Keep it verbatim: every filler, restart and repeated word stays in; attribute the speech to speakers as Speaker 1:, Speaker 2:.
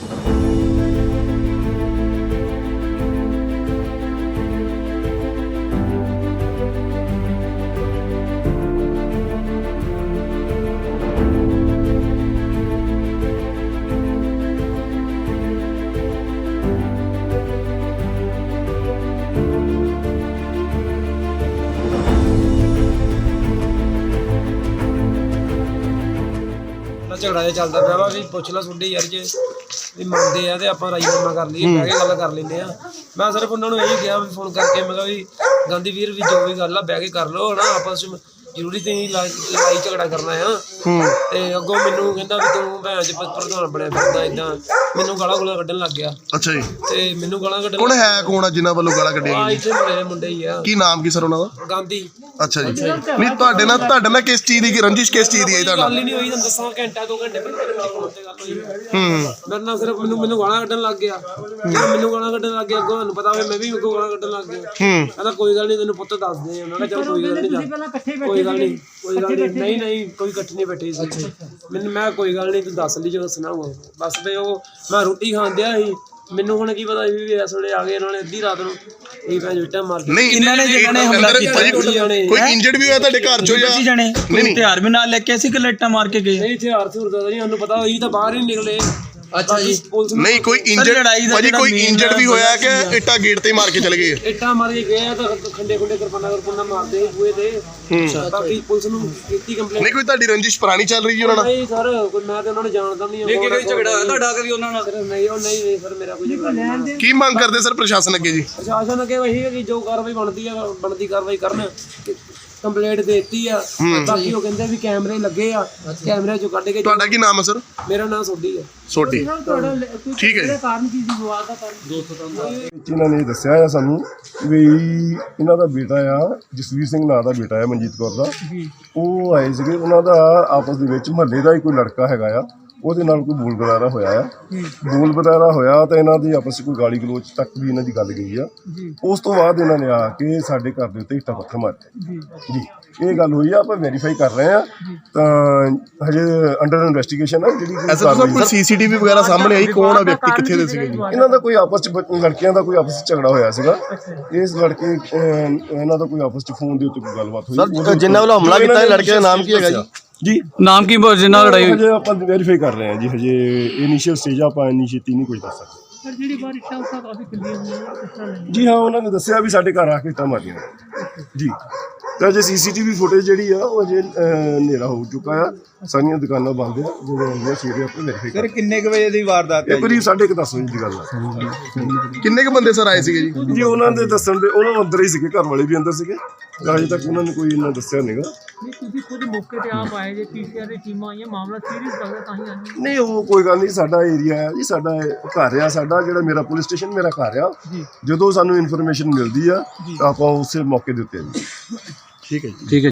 Speaker 1: झगड़ा जो चलता पाया वा भी पुछ ला सुनते यार जे भी मनते हैं तो आप राजीनामा कर लीए बह के गल कर लेंगे। मैं सिर्फ उन्होंने यही कहा भी फोन करके मैं भी गांधी वीर भी जो भी गल बह के कर लो है ना आपस में जरूरी तो नहीं लड़ाई झगड़ा करना है। तो अगों मैनू कहता भी तू भैन च प्रधान बनया फिरदा इदां मैनू गालां गूलां कड्ढन लग गया।
Speaker 2: अच्छा जी
Speaker 1: ते मैनू गालां कड्ढन
Speaker 2: कौन है कौन है जिन्हां वालों गालां कड्ढियां
Speaker 1: आ इत्थे मेरे मुंडे ही आ।
Speaker 2: की नाम की सर उन्हां दा?
Speaker 1: गांधी।
Speaker 2: अच्छा जी नहीं तुहाडे नाल तुहाडे नाल किस चीज़ दी रंजिश किस चीज़ दी है तुहाडा?
Speaker 1: गल ही नहीं होई तुहानूं दस्सां घंटा दो घंटे पहले फोन ते गल होई मेरे नाल सिर्फ मैनू मैनू गालां कड्ढन लग गया। मैनू गालां कड्ढन लग गया अगों तुहानूं पता होवे मैं भी अगों गालां कड्ढन लग गया। कहंदा कोई गल नहीं तैनूं पुत्त दस दे। मैं कहा चल कोई गल नहीं कोई गल नहीं कोई गल नहीं नहीं नहीं कोई इकट्ठे नहीं बैठे सी मैनूं मैं कोई गल नहीं तूं दस ली जो दसना होगा बस। ते ओह मैं रोटी खाण दिया सी मैनू हुण की पता भी इस वेले आ गए इन्होंने अद्धी रात नूं ਇਹ ਭੈਣ ਵਿਟਾ ਮਾਰ
Speaker 2: ਨਹੀਂ ਇਹਨਾਂ ਨੇ ਜਿਹੜਾ ਨੇ ਹਮਲਾ ਕੀਤਾ ਕੋਈ ਇੰਜਰਡ ਵੀ ਹੋਇਆ ਤੁਹਾਡੇ ਘਰ ਚੋਂ ਜਾਂ
Speaker 3: ਜਣੇ ਕੋਈ ਹਥਿਆਰ ਵੀ ਨਾਲ ਲੈ ਕੇ ਅਸੀਂ ਕਿ ਲੱਟਾਂ ਮਾਰ ਕੇ ਗਏ?
Speaker 1: ਨਹੀਂ ਹਥਿਆਰ ਥੁਰ ਦਾ ਨਹੀਂ ਸਾਨੂੰ ਪਤਾ ਹੋਈ ਤਾਂ ਬਾਹਰ ਹੀ ਨਿਕਲੇ।
Speaker 3: ਅੱਛਾ ਜੀ
Speaker 2: ਨਹੀਂ ਕੋਈ ਇੰਜਰਡ ਭਾਜੀ ਕੋਈ ਇੰਜਰਡ ਵੀ ਹੋਇਆ ਕਿ ਇੱਟਾਂ ਗੇਟ ਤੇ ਮਾਰ ਕੇ ਚਲੇ ਗਏ?
Speaker 1: ਇੱਟਾਂ ਮਾਰ ਕੇ ਗਏ ਤਾਂ ਖੰਡੇ ਖੁੰਡੇ ਕਿਰਪਾਨਾਂ ਕਿਰਪਾਨਾਂ ਮਾਰਦੇ ਬੂਏ ਤੇ ਬਾਕੀ ਪੁਲਿਸ ਨੂੰ ਕੀਤੀ ਕੰਪਲੇਂਟ।
Speaker 2: ਨਹੀਂ ਕੋਈ ਤੁਹਾਡੀ ਰੰਜਿਸ਼ ਪੁਰਾਣੀ ਚੱਲ ਰਹੀ ਹੈ ਉਹਨਾਂ ਨਾਲ?
Speaker 1: ਨਹੀਂ ਸਰ ਕੋਈ ਮੈਂ ਤੇ ਉਹਨਾਂ ਨੂੰ ਜਾਣਦਾ ਨਹੀਂ।
Speaker 3: ਨਹੀਂ ਕੋਈ ਝਗੜਾ ਹੋਇਆ ਤੁਹਾਡਾ ਕਦੀ ਉਹਨਾਂ ਨਾਲ?
Speaker 1: ਨਹੀਂ ਉਹ ਨਹੀਂ ਨਹੀਂ ਸਰ ਮੇਰਾ ਕੋਈ ਝਗੜਾ ਨਹੀਂ।
Speaker 2: ਕੀ ਮੰਗ ਕਰਦੇ ਸਰ ਪ੍ਰਸ਼ਾਸਨ ਅੱਗੇ ਜੀ?
Speaker 1: ਪ੍ਰਸ਼ਾਸਨ ਅੱਗੇ ਇਹੀ ਹੈ ਕਿ ਜੋ ਕਾਰਵਾਈ ਬਣਦੀ ਆ ਬਣਦੀ ਕਾਰਵਾਈ ਕਰਨ। ਕੰਪਲੇਂਟ ਦੇਤੀ ਆ ਬਾਕੀ ਉਹ ਕਹਿੰਦੇ ਵੀ ਕੈਮਰੇ ਲੱਗੇ ਆ ਕੈਮਰੇ ਚੋਂ ਕੱਢ ਕੇ।
Speaker 2: ਤੁਹਾਡਾ ਕੀ ਨਾਮ ਹੈ ਸਰ?
Speaker 1: ਮੇਰਾ ਨਾਮ ਸੋਢੀ ਹੈ।
Speaker 2: ਸੋਢੀ ਠੀਕ ਹੈ।
Speaker 1: ਕਾਰਨ ਕੀ ਸੀ ਵਿਵਾਦ ਦਾ ਕਾਰਨ?
Speaker 4: ਇਹਨਾਂ ਨੇ ਦੱਸਿਆ ਆ ਸਾਨੂੰ ਵੀ ਇਹਨਾਂ ਦਾ ਬੇਟਾ ਆ ਜਸਵੀਰ ਸਿੰਘ ਨਾਂ ਦਾ ਬੇਟਾ ਆ ਮਨਜੀਤ ਕੌਰ ਦਾ। ਉਹ ਆਏ ਸੀਗੇ ਉਹਨਾਂ ਦਾ ਆਪਸ ਦੇ ਵਿੱਚ ਮਹੱਲੇ ਦਾ ਹੀ ਕੋਈ ਲੜਕਾ ਹੈਗਾ ਆ ਉਹਦੇ ਨਾਲ ਕੋਈ ਬੋਲ ਬੁਲਾਰਾ ਹੋਇਆ ਆ। ਬੋਲ ਬੁਲਾਰਾ ਹੋਇਆ ਤਾਂ ਇਹਨਾਂ ਦੀ ਆਪਸ 'ਚ ਕੋਈ ਗਾਲੀ ਗਲੋਚ ਤੱਕ ਵੀ ਇਹਨਾਂ ਦੀ ਗੱਲ ਗਈ ਆ। ਉਸ ਤੋਂ ਬਾਅਦ ਇਹਨਾਂ ਨੇ ਆ ਕੇ ਸਾਡੇ ਘਰ ਦੇ ਉੱਤੇ ਇੱਟਾਂ ਪੱਥਰ ਮਾਰੇ ਜੀ। ਇਹ ਗੱਲ ਹੋਈ ਆ ਆਪਾਂ ਵੈਰੀਫਾਈ ਕਰ ਰਹੇ ਆ ਤਾਂ ਹਜੇ ਅੰਡਰ ਇਨਵੈਸਟੀਗੇਸ਼ਨ ਆ ਜਿਹੜੀ
Speaker 2: ਕੋਈ ਸੀਸੀਟੀਵੀ ਵਗੈਰਾ ਸਾਹਮਣੇ ਆਈ ਕੌਣ ਆ ਵਿਅਕਤੀ ਕਿੱਥੇ ਦੇ ਸੀਗੇ ਜੀ?
Speaker 4: ਇਹਨਾਂ ਦਾ ਕੋਈ ਆਪਸ 'ਚ ਲੜਕਿਆਂ ਦਾ ਕੋਈ ਆਪਸ 'ਚ ਝਗੜਾ ਹੋਇਆ ਸੀਗਾ। ਇਸ ਲੜਕੇ ਇਹਨਾਂ ਦਾ ਕੋਈ ਆਪਸ 'ਚ ਫੋਨ ਦੇ ਉੱਤੇ ਕੋਈ ਗੱਲਬਾਤ ਹੋਈ।
Speaker 2: ਸਰ ਜਿਨ੍ਹਾਂ ਵੱਲੋਂ ਹਮਲਾ ਕੀਤਾ ਇਹ ਲੜਕੇ ਦਾ ਨਾਮ ਕੀ ਹੈਗਾ ਜੀ?
Speaker 4: ਜੀ
Speaker 3: ਨਾਮ ਕੀ ਜਿੰਨਾ ਲੜਾਈ
Speaker 4: ਹਜੇ ਆਪਾਂ ਵੈਰੀਫਾਈ ਕਰ ਰਹੇ ਹਾਂ ਜੀ। ਹਜੇ ਇਨੀਸ਼ੀਅਲ ਸਟੇਜ ਆਪਾਂ ਇੰਨੀ ਛੇਤੀ ਨਹੀਂ ਕੁਝ ਦੱਸ ਸਕਦੇ।
Speaker 1: ਜਿਹੜੀ ਬਾਹਰ ਇੱਟਾਂ ਉੱਟਾਂ ਕਾਫੀ ਖਿੱਲੀਆਂ ਹੋਈਆਂ
Speaker 4: ਜੀ ਹਾਂ ਉਹਨਾਂ ਨੇ ਦੱਸਿਆ ਵੀ ਸਾਡੇ ਘਰ ਆ ਕੇ ਇੱਟਾਂ ਮਾਰੀਆਂ ਜੀ। ਤਾਂ ਅਜੇ ਸੀਸੀਟੀਵੀ ਫੁਟੇਜ ਜਿਹੜੀ ਆ ਉਹ ਅਜੇ ਹਨੇਰਾ ਹੋ ਚੁੱਕਾ ਆ। ਸਾਰੀਆਂ ਦੁਕਾਨਾਂ ਬੰਦ ਆ ਜਦੋਂ ਆਉਂਦੀਆਂ ਸਵੇਰੇ ਆਪਾਂ ਵੈਰੀਫਾਈ ਕਰ।
Speaker 3: ਕਿੰਨੇ ਕੁ ਵਜੇ ਦੀ ਵਾਰਦਾਤ
Speaker 4: ਇਹ ਕਰੀਬ ਸਾਢੇ ਕੁ ਦਸ ਵਜੇ ਦੀ ਗੱਲ ਆ।
Speaker 2: ਕਿੰਨੇ ਕੁ ਬੰਦੇ ਸਰ ਆਏ ਸੀਗੇ ਜੀ?
Speaker 4: ਜੀ ਉਹਨਾਂ ਦੇ ਦੱਸਣ ਦੇ ਉਹਨਾਂ ਅੰਦਰ ਹੀ ਸੀਗੇ ਘਰ ਵਾਲੇ ਵੀ ਅੰਦਰ ਸੀਗੇ। ਅਜੇ ਤੱਕ ਉਹਨਾਂ ਨੇ ਕੋਈ ਇੰਨਾ ਦੱਸਿਆ ਨਹੀਂਗਾ।
Speaker 1: ਨਹੀਂ ਤੁਸੀਂ ਖੁਦ ਮੌਕੇ ਤੇ ਆਪ ਆਏ ਜੇ ਪੀਸੀਆਰ ਦੀ ਟੀਮਾਂ ਆਈਆਂ ਮਾਮਲਾ ਸੀਰੀਅਸ ਲੱਗਦਾ ਤਾਂ ਹੀ ਆਏ।
Speaker 4: ਨਹੀਂ ਉਹ ਕੋਈ ਗੱਲ ਨਹੀਂ ਸਾਡਾ ਏਰੀਆ ਆ ਜੀ ਸਾਡਾ ਘਰ ਆ ਸਾਡਾ ਜਿਹੜਾ ਮੇਰਾ ਪੁਲਿਸ ਸਟੇਸ਼ਨ ਮੇਰਾ ਘਰ ਆ। ਜਦੋਂ ਸਾਨੂੰ ਇਨਫੋਰਮੇਸ਼ਨ ਮਿਲਦੀ ਆ ਆਪਾਂ ਉਸੇ ਮੌਕੇ ਦੇ ਉੱਤੇ
Speaker 2: ਠੀਕ ਹੈ ਜੀ।
Speaker 3: ਠੀਕ ਹੈ।